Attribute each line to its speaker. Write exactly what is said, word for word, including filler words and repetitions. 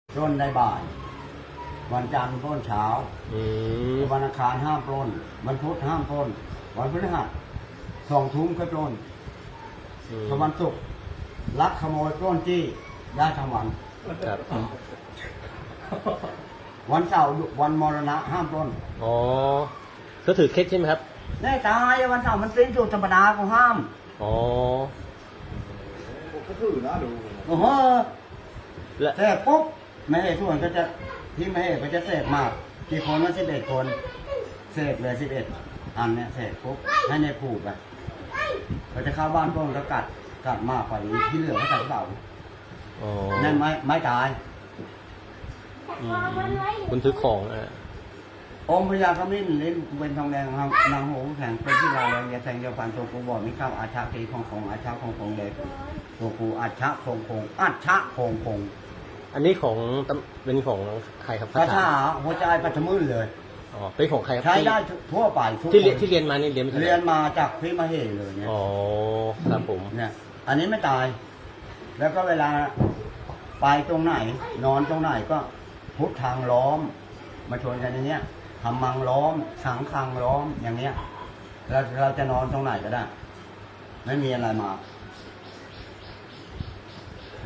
Speaker 1: ปล้นได้บ่ายวันจันทร์ปล้นเช้าวันอังคารห้ามปล้นวันพุธห้ามปล้นวันพฤหัสสองทุ่มค่อยปล้นพอวันศุกร์ลักขโมยปล้นจี้ได้ทั้งวันวันเสาร์วันมรณะห้ามปล้น
Speaker 2: อ๋อก็ถือเคล็ดใช่ไหมครับ
Speaker 1: แน่ตายวันเสาร์มันสิ้นสุดธรรมดาเขาห้าม
Speaker 2: อ๋อ
Speaker 3: ก็ถือนะดู
Speaker 1: โอ้โหเสกปุ๊บไม่ให้ส่วนก็จะที่ไม่ให้ก็จะเสกมากกี่คนว่าสิบเอ็ดคนเสกเลยสิบเอ็ดอันเนี้ยเสกปุ๊บให้ในผูกไปเราจะเข้าบ้านต้นก็กัดกัดมากกว่านี้ที่เหลือก็ใส่เบานั่นไม่ไม่ตาย
Speaker 2: คุณซื้อของอ่ะ
Speaker 1: องค์พญาขมิ้นลิ้นเป็นทองแดงครับนางโหงแข็งเป็นที่ลายเรียแทงเดียวพันตัวกูบอกไม่เข้าอาชาตีของของอาชาของของเล็กตัวกูอาชาคงคงอาชาคงคง
Speaker 2: อันนี้ของเป็นของใครครับ
Speaker 1: คาถาหัวใจปัจจุบันเลย
Speaker 2: อ๋อเป็นของใครครับ
Speaker 1: ใช้ได้ทั่วไป
Speaker 2: ที่เรียนที่เรียนมานี่เรียน
Speaker 1: เรียนมาจากพี่มเหเลยเนี่ย
Speaker 2: อ๋อครับผม
Speaker 1: เนี่ยอันนี้ไม่ตายแล้วก็เวลาไปตรงไหนนอนตรงไหนก็พุทธทางล้อมมาชนกันอย่างเงี้ยทำมังล้อมสังคังล้อมอย่างเงี้ยเราเราจะนอนตรงไหนก็ได้ไม่มีอะไรมา